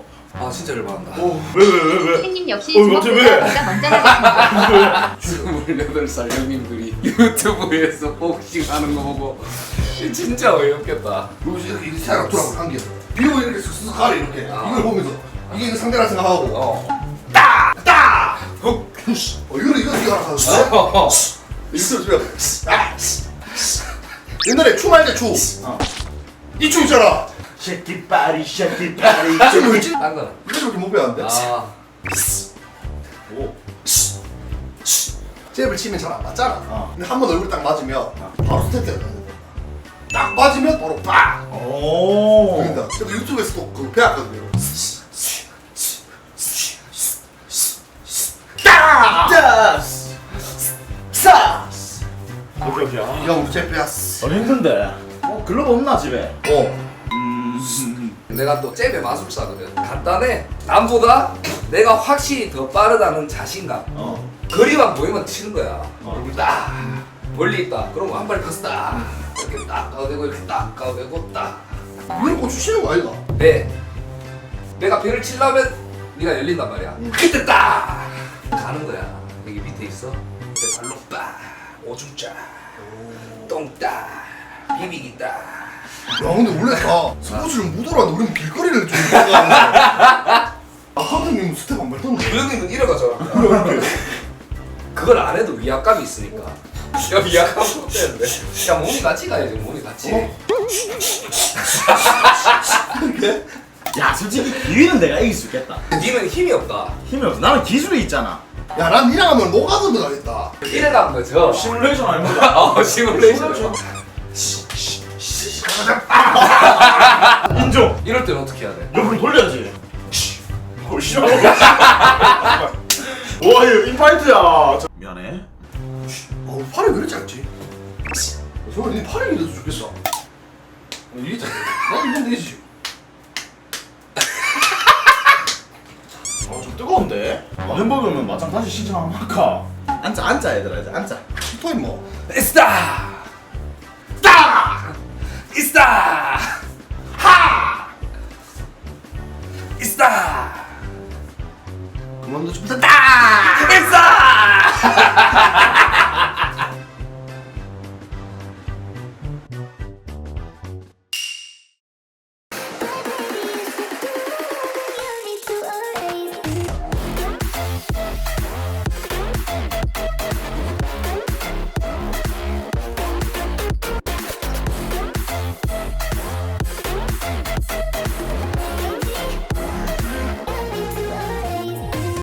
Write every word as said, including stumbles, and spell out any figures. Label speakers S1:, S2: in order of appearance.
S1: 아 진짜 열받는다.
S2: 왜 왜 왜 왜?
S3: 선생님 역시
S2: 어, 갑자기 왜?
S3: 주먹보다 제가 먼저 하겠습니다.
S1: 스물여덟 살 형님들이 유튜브에서 복싱 하는 거 보고 진짜 어이없겠다.
S4: 그리고 이렇게 이렇게 살짝 돌아보고 한 개. 비고 이렇게 쓱쓱 가래 이렇게. 이걸 보면서 이게 상대라 생각하고.
S1: 어.
S4: 따! 따! 어, 푸시. 어, 이거 이거 이거 하나 사줬어.
S1: 어.
S4: 이거 들어. 아! 옛날에 춤할 때 춤.
S2: 어.
S4: 이 춤 있잖아.
S2: 쉐키 파리 쉐키 파리.
S4: 춤 뭐였지?
S1: 딴 거는.
S4: 이거밖에 못 배웠는데.
S1: 아.
S2: 오.
S4: 잽을 치면 잘 안 맞잖아.
S2: 어.
S4: 근데 한 번 얼굴 딱 맞으면 바로 스텝대가 가야 돼. 딱 맞으면 바로 빡!
S2: 오.
S4: 그러니까 저도 유튜브에서도 그 배웠거든요. 딱!
S2: 짜스. 싸스. 오케이 오케이. 아,
S4: 이거 우리 잽 배웠어.
S2: 어 힘든데. 어 글러브 없나 집에?
S4: 어.
S2: 음.
S1: 내가 또 잽의 마술사거든. 간단해. 남보다 내가 확실히 더 빠르다는 자신감.
S2: 어.
S1: 거리만 보이면 치는 거야.
S2: 어.
S1: 얼굴 딱 멀리 있다. 그럼 한 발에 가서 딱 이렇게 딱 가대고 이렇게 딱 가대고 딱.
S4: 이걸 꽂 주시는 거 아이가?
S1: 배. 내가 배를 치려면 네가 열린단 말이야. 그때 딱 가는 거야. 여기 밑에 있어. 그때 발로 딱 오줌 쫙, 똥 딱, 비비기 딱.
S4: 야 근데 원래 다 스포츠를 못 알아도 우리는 길거리를 좀 생각하는데 아 하드님은 스텝 안 밟던데
S1: 그 형님은 이래가잖아. 그걸 안 해도 위압감이 있으니까. 야 위압감 없대는데. 야 몸이 같이 가야지. 몸이 같이.
S4: 어? 이렇게?
S2: 야 솔직히 기위는 내가 이길 수 있겠다.
S1: 니는 힘이 없다.
S2: 힘이 없어. 나는 기술이 있잖아.
S4: 야난 니랑 하면 노가드 들어가겠다
S1: 이래간 거죠.
S2: 시뮬레이션 아닙니까?
S1: 어 시뮬레이션.
S2: 인정.
S1: 이럴 때는 어떻게 해야 돼?
S2: 옆으로 돌려야지. 어 싫어. 와 이거 인파이트야. 저- 미안해.
S4: 어 팔이 왜 이렇게 짧지? 저는 니 팔이 이래도 좋겠어 어, 이게 짧아 나 이건 되지
S2: 어좀 뜨거운데. 아, 햄버거면 마장 다시 신청 한번 할까? 앉아 앉아 얘들아 이제 앉아.
S4: 히터 임마
S1: 스타. 딱. 스타.